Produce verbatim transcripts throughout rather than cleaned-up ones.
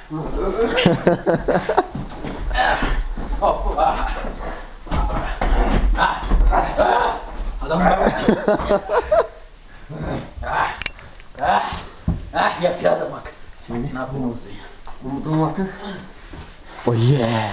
Hoppa. Adam bak. Ah. Ah. Ah yapıyor adam bak. Şimdi ne yapalım sen? Umudum bakın. Oh yeah.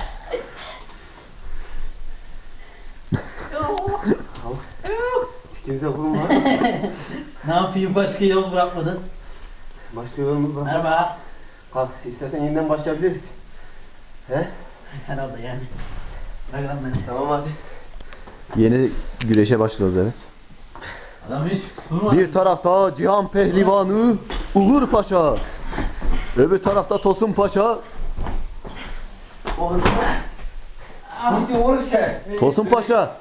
Kimse bulma. Ne yapayım başka yol bırakmadın? Başka yolumuz var. Merhaba. Kalk istersen yeniden başlayabiliriz. He? Herhalde yani. Bırak lan beni. Tamam hadi. Yeni güreşe başlıyoruz evet. Adam hiç durma. Bir tarafta Cihan Pehlivanı Uğur Paşa. Öbür tarafta Tosun Paşa. Oğlum. Ne diyor oğlum sen? Tosun Paşa.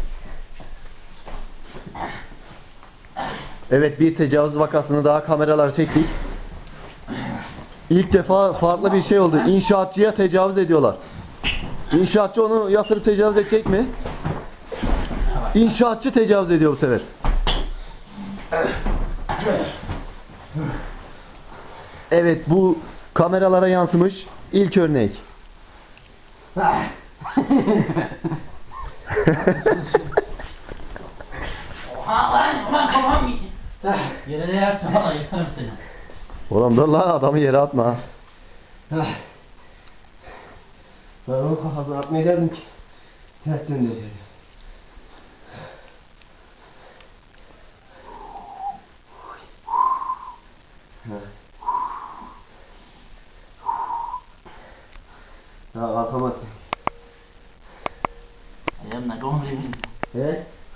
Evet, bir tecavüz vakasını daha kameralar çektik. İlk defa farklı bir şey oldu. İnşaatçıya tecavüz ediyorlar. İnşaatçı onu yatırıp tecavüz edecek mi? İnşaatçı tecavüz ediyor bu sefer. Evet, bu kameralara yansımış ilk örnek. Oha lan ulan kafam gitti. Yere değersin valla yıkarım seni. Oğlum dur lan, adamı yere atma. Ben onun kafasına atmayacaktım ki. Ters döndüreceğim. Ha kalkamadım.